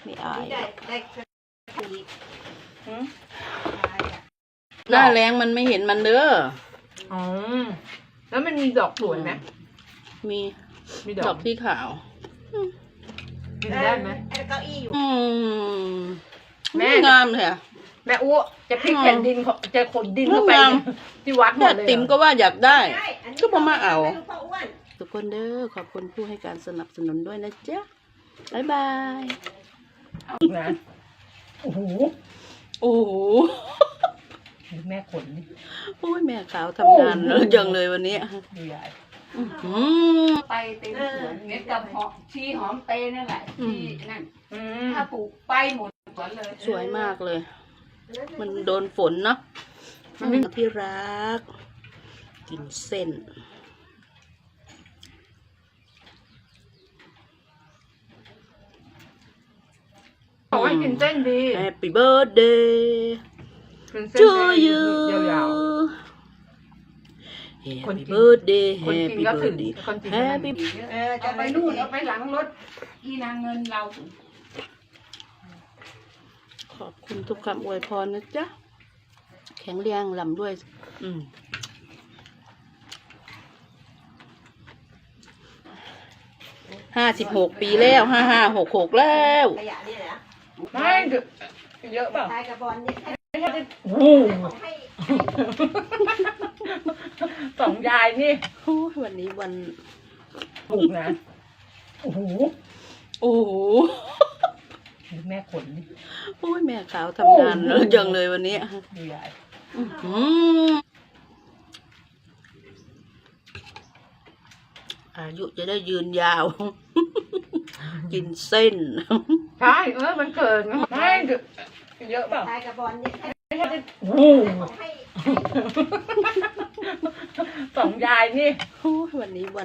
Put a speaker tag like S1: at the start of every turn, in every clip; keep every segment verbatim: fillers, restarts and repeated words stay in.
S1: ไม่อาย
S2: ได้ได้อีก
S1: หน้าแรงมันไม่เห็นมันเด้อ
S3: อ๋อแล้วมันมีดอกสวยไหม
S1: มี
S3: มีด
S1: ด
S3: อ
S1: อก กที่ขาว
S3: กินได้ไหม
S2: ไอ้เก้าอี้อยู่
S1: อืม
S3: แม่
S1: งามเลยอะ
S3: แม่อู้จะพลิกแผ่นดินเขาจะขนดินเข้าไป
S1: งาม
S3: ที่วัดหม
S1: แค่
S3: ดเลย
S1: ติ๋มก็ว่าอยากได้
S2: ได้อันนี้
S1: ก็บ่มาเอา
S2: ไม่รู้พ่ออ้วน
S1: ทุกคนเด้อขอบคุณผู้ให้การสนับสนุนด้วยนะจ๊ะบ๊ายบาย
S3: นะโอ้โห
S1: โอ้โห
S3: แม่ขนนี่
S1: โอ้ยแม่ขาวทำงานเยอะจังเลยวันนี้
S3: ดูใหญ่
S1: อื้อหือ
S4: ไปเต็มสวนเม็ดกับหอมชีหอมเตนั่นแหละ
S1: อืม
S4: ที่นั่น
S3: อืม
S4: ถ้าปลูกไปหมดสวนเลย
S1: สวยมากเลย มันโดนฝนเนาะที่รัก กินเส้น
S3: บอกว่ากินเส้นดี
S1: Happy birthday
S3: กินเส้น
S1: to
S3: ได้
S1: you
S3: ยาว คน
S1: Happy
S3: กิน
S1: birthday
S3: ๆคนกิน
S1: Happy
S3: ก็ถึง
S1: birthday
S3: คนกิน
S1: Happy
S2: เออจะ
S4: เอาไปนู่นเอาไปหลังรถอีนางเงินเรา
S1: ขอบคุณทุกคำอวยพรนะจ๊ะ แข็งแรงลำด้วย อืมห้าสิบหกปีแล้วห้าห้าหกหกแล้ว
S2: ขยะนี่แหละ
S3: ไม่เยอะเปล่า
S2: ทายกับบอลนี่ให้
S3: ไม่ใช่โอ้โห
S2: ให้
S3: สองยายนี่
S1: โอ้ยวันนี้วัน
S3: ถูกนะโอ้โห
S1: โอ้โห
S3: แม่ขนนี่
S1: โอ้ยแม่ขาวทำงานเยอะจังเลยวันนี้
S3: ดูใหญ่
S1: อื้อหืออายุจะได้ยืนยาว กินเส้น
S3: ใช่เออมันเกิดไม่เยอะเปล่า
S2: ทายกับบอลนี่ให้
S3: ไม่ใช่โอ้โห
S2: ให้
S3: สองยายนี่
S1: โอ้ยวันนี้วัน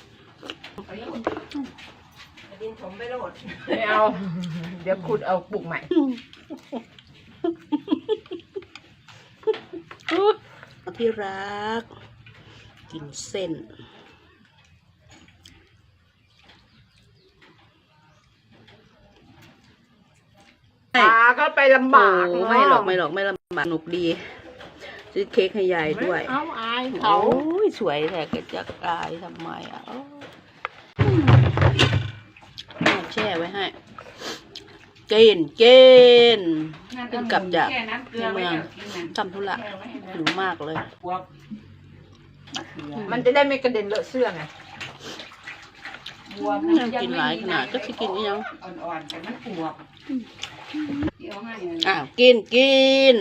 S2: ดินผมไปโหลด
S3: ไม่เอา เดี๋ยวคุณเอาปลูกใหม่
S1: ที่รัก กินเส้น
S3: ตาก็ไปลำบาก
S1: โอ้ไม่หรอกไม่หรอกไม่ลำบากสนุกดีซื้อเค้กให้ยายด้วย
S3: เอาอาย
S1: โอ้
S3: เขา
S1: ยสวยแต่ก็จะอายทำไมอ่ะโอ้แม่แช่ไว้ให้ เกณฑ์เกณฑ์
S4: นั่น
S1: ขึ้นกลับจาก
S4: แค่น้ำเกลือไว้แล้วกินนั่น
S1: ทำธุระหิวมากเลย
S4: พวกมะเขือ
S3: มันจะได้ไม่กระเด็นเลอะเสื้อไง
S4: บวบ
S1: ยังกินหลายขนาดก็จะกินอีกยัง
S4: อ่อนๆแต่มันปวกเดี๋ยวให้เลย
S1: อ้าวกินกิน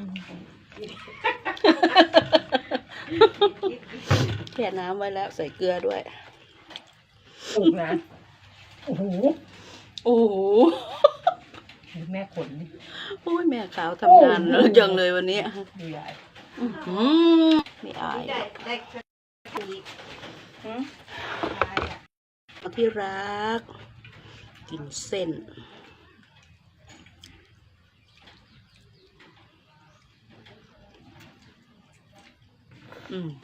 S1: แช่น้ำไว้แล้วใส่เกลือด้วย
S3: ปลูกนะโอ้โห
S1: โอ้โห
S3: แม่ขนนี่
S1: โอ้ยแม่ขาวทำงานเยอะจังเลยวันนี้
S3: ดูใหญ่
S1: อื้อหือไม่อาย
S2: ได้ได้อีก
S1: ที่รัก กินเส้น อืม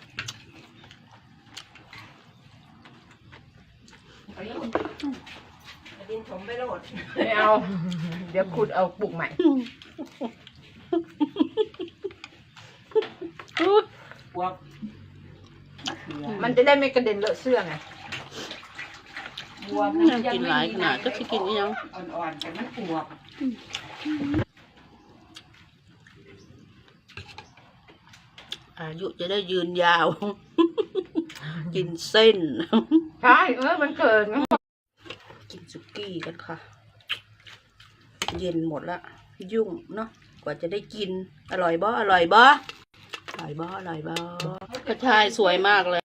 S2: ดินผมไปโหลด
S3: ไม่เอา เดี๋ยวคุณเอาปลูกใหม่
S4: พวกมะเขือ
S3: มันจะได้ไม่กระเด็นเลอะเสื้อไง
S4: บวบ
S1: ยังกินหลายขนาดก็จะกินอีกยัง
S4: อ่อนๆแต่มันปวก
S1: อายุจะได้ยืนยาว กินเส้น
S3: ใช่เออมันเกิด
S1: กินสุกี้กันค่ะ เย็นหมดละ ยุ่งเนาะกว่าจะได้กิน อร่อยบ่อร่อยบ่อร่อยบ่อร่อยบ่กระชายสวยมากเลย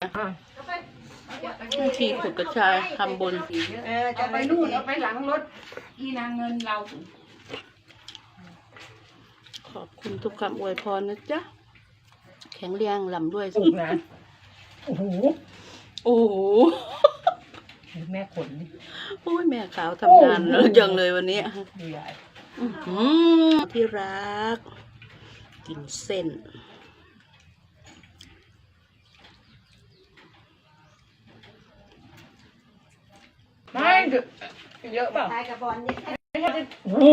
S1: ที่ขุดกระชายทำบุญ
S2: เออจะ
S4: เอา
S2: ไป
S4: ไป
S2: นู่
S4: นู่
S2: น
S4: นเอาไปหลังรถอีนางเงินเรา
S1: ขอบคุณทุกคำอวยพรนะจ๊ะ แข็งแรงลำด้วย
S3: ปลูกนะโอ้โห
S1: โอ้โห
S3: แม่ขนนี่
S1: โอ้ยแม่ขาวทำงานเยอะจังเลยวันนี้
S3: ดูใหญ่
S1: อื้อหือที่รัก กินเส้น
S3: ไม่เยอะเปล่า
S2: ทายกับบอลนี่
S3: โอ้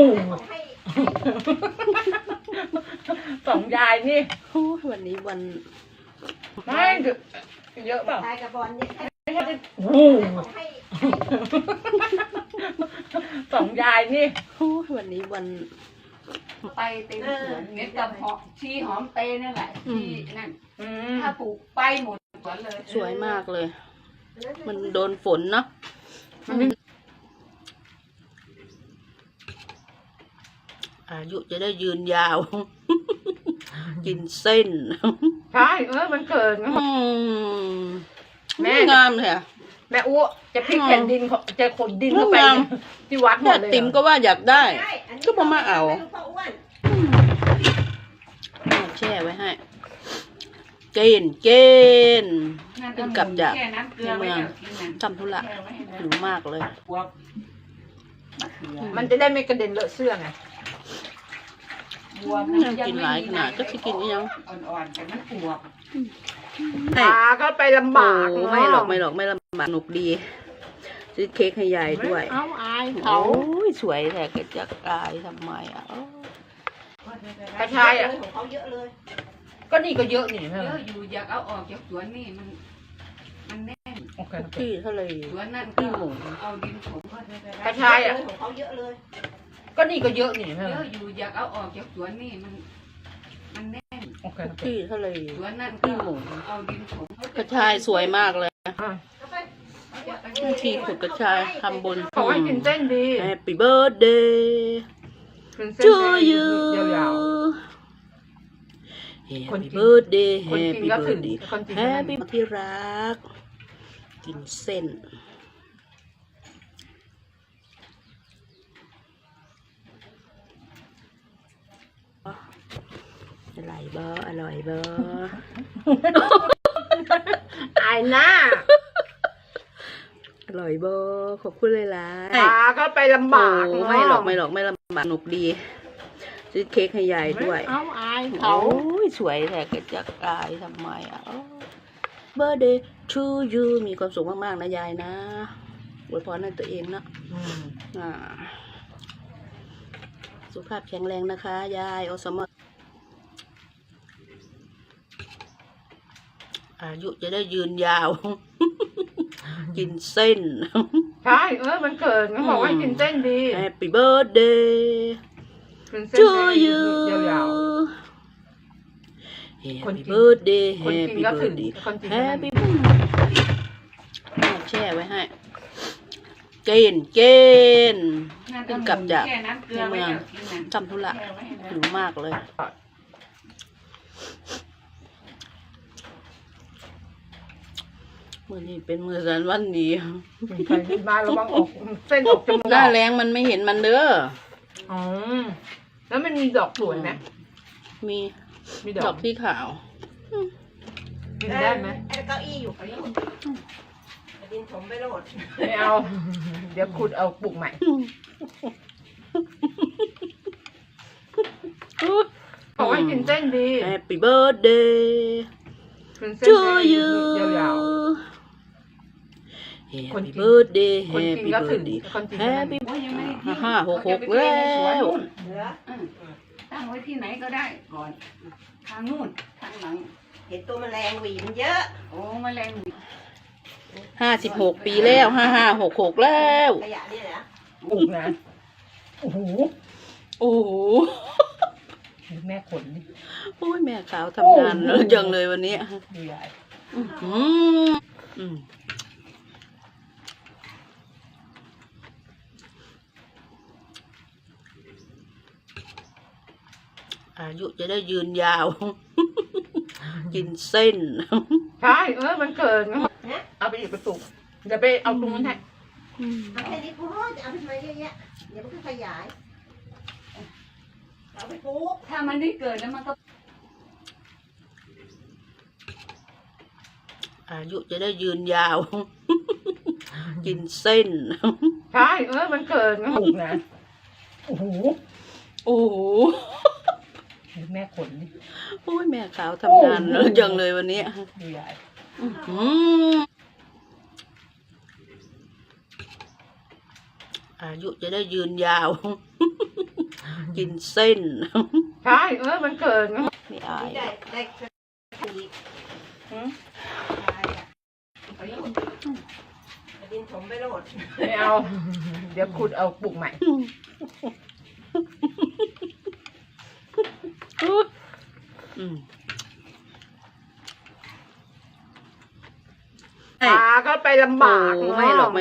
S3: สองยายนี่
S1: โอ้ยวันนี้วัน
S3: ไม่เยอะเปล่า
S2: ทายกับบอลเนี่ย
S3: โอ้สองยายนี่
S1: โอ้ยวันนี้วัน
S4: ไปเต็มสวนเม็ดกับหอมชีหอมเตยนั่นแหละที่นั่น
S3: อืม
S4: ถ้าปลูกไปหมดสวนเลย
S1: สวยมากเลย มันโดนฝนเนาะอายุจะได้ยืนยาว กินเส้น
S3: ใช่เออมันเกิด
S1: อืม
S3: แม่
S1: งามเลยอะ
S3: แม่อ้วจะพลิกแผ่นดินของจะขนดินเข้าไป
S1: งาม
S3: ที่วัดหม
S1: แม่
S3: ดเลย
S1: ติ๋มก็ว่าอยากได้
S2: ใช่อันนี้
S1: ก็บอกมาเอา
S2: ไม่รู้พ่ออ้วน
S1: แม่แช่ไว้ให้ เกณฑ์เกณฑ์
S4: นั่น
S1: เพิ่งกลับจาก
S4: แค่น้ำเกลือไว้เดี๋ยวกินนั่น
S1: ทำธุระ
S4: แช่ไว้ให้
S1: หิวมากเลย
S4: บวบมะเขือ
S3: มันจะได้ไม่กระเด็นเลอะเสื้อไง
S4: บวบ
S1: ยังกินหลายขนาดก็สิกินอีหยัง
S4: อ่อนๆแต่มันบวบ
S1: ให้
S3: ตาก็ไปลำบาก
S1: โอ้ไม่หรอกไม่หรอกไม่ลำบากสนุกดีซื้อเค้กให้ยายด้วย
S3: เอาอาย
S1: โอ้
S3: เขา
S1: ยสวยแต่ก็จะกลายทำไมอ่ะโอ้
S3: กระชายอ่ะ
S2: ของเขาเยอะเลย
S3: ก็นี่ก็เยอะนี่
S4: เยอะอยู่อยากเอาออกจากสวนนี่มัน มันแน่น
S3: โอเคโอเค
S1: ที่เท่าไหร่
S4: สวนนั่น
S1: ที่
S4: ก็
S1: หมู
S4: เอาดินถม
S3: กระชายอ่ะ
S2: ของเขาเยอะเลย
S3: ก็นี่ก็เยอะนี่
S4: เยอะอยู่อยากเอาออกจากสวนนี่มัน มันแน่น
S3: โอเคโอเค
S1: ที่เท่าไหร่
S4: สวนนั่น
S1: ที่
S4: ก็
S1: หมู
S4: เอาดินถม
S1: กระชายสวยมากเลย
S3: อ่ะ
S1: ที่ขุดกระชายทำบุญ
S3: ขอให้กินเส้นดี
S1: Happy birthday
S3: กินเส้น
S1: to
S3: ได้
S1: you
S3: ยาว คน
S1: Happy
S3: กิน
S1: birthday
S3: คนกิน
S1: Happy
S3: ก็ถึง
S1: birthday
S3: คนกินก็นั่น
S1: Happy ที่รัก กินเส้น อร่อยบ่อร่อยบ่
S3: ๆอายหน้า
S1: อร่อยบ่ขอบคุณเลยล่ะ
S3: ตาก็ไปลำบาก
S1: โอ้ไม่หรอกไม่หรอกไม่ลำบากสนุกดี ซื้อเค้กให้ยายด้วย
S3: เอาอาย
S1: โอ้
S3: เขา
S1: ยสวยแต่ก็จะกลายทำไมอ่ะ Birthday to you มีความสุขมากๆนะยายนะอวยพรให้ตัวเองนะ
S3: อืม
S1: อ่าสุขภาพแข็งแรงนะคะ ยายอสมอายุจะได้ยืนยาว กินเส้น
S3: ใช่เออมันเกิดเขาบอกว่ากินเส้นดี
S1: Happy birthday
S3: กินเส้น
S1: to
S3: ได้
S1: you
S3: ยาว คน
S1: Happy
S3: กิน
S1: birthday
S3: คนกิน
S1: Happy
S3: ก็ถึง
S1: birthday
S3: คนกินก็นั่น
S1: Happy แม่แช่ไว้ให้ เกณฑ์เกณฑ์ เพิ่งกลับจาก
S4: แค่น้ำเกลือไว้เดี๋ยวกินนั่น
S1: ทำธุระ
S4: แช่ไว้ให้
S1: หิวมากเลย มือนี้เป็นมือสันวันดี
S3: ๆใครกินมาระวังออกเส้นออกจมูก
S1: หน้าแรงมันไม่เห็นมันเด้อ
S3: อ๋อแล้วมันมีดอกสวยไหม
S1: มี
S3: มีด
S1: ด
S3: อ
S1: อก กที่ขาว
S3: กินได้ไหม
S2: ไอ้เก้าอี้อยู่เขาอยู่ดินถมไปโหลด
S3: ไม่เอา เดี๋ยวคุณเอาปลูกใหม่ขอให้กินเส้นดี
S1: Happy birthday
S3: กินเส้น
S1: to
S3: ได้
S1: you
S3: ยาว คน
S1: Happy
S3: กิน
S1: birthday
S3: ๆคนกิน
S1: Happy
S3: ก็ถึง
S1: birthday
S3: คนกินก็นั่น
S1: Happy
S4: โอ้ยยังไม่ได้ทิ้ง
S1: ห้าหกหก
S4: เอาจะไป
S1: แล้ว
S4: เก็บไในสนนู่น
S2: เหลือ
S4: อืมตั้งไว้ที่ไหนก็ได้ก่อน ทางนู่นทางหลัง
S2: เห็นตัวแมลงหวีมันเยอะ
S4: โอ้แมลงหวี
S1: ห้าสิบหกปีแล้วห้าห้าหกหกแล้ว
S2: ขยะเนี่ยนะ
S3: ปลูกนะโอ้โห
S1: โอ้โห
S3: แม่ขนดิ
S1: โอ้ยแม่ขาวทำงานเยอะจังเลยวันนี้
S3: ดูใหญ่
S1: อื้อหืออืมอายุจะได้ยืนยาว กินเส้น
S3: ใช่เออมันเกิดเอาไปอีกไปปลูกเดี๋ยวไปเอาตรงนั้นให้
S2: เอาแค่นี้พอจะเอาไปทำไมเยอะแยะเดี๋ยวมันก็ขยายเอาไปปลูก
S4: ถ้ามันได้เกิดแล้วมันก็
S1: อายุจะได้ยืนยาว กินเส้น
S3: ใช่เออมันเกิดปลูกนะโอ้โห
S1: โอ้โห
S3: แม่ขนดิ
S1: โอ้ยแม่ขาวทำงานเยอะจังเลยวันนี้
S3: ดูใหญ่
S1: อื้อหืออายุจะได้ยืนยาว กินเส้น
S3: ใช่เออมันเกิน
S1: ไม่อาย
S2: ได้ได้อีก
S1: หืม
S2: ดินผมไปโหลด
S3: ไม่เอา เดี๋ยวคุณเอาปลูกใหม่
S1: อืม
S3: ตาก็ไปลำบาก
S1: โอ้ไม่หรอก
S3: เนาะ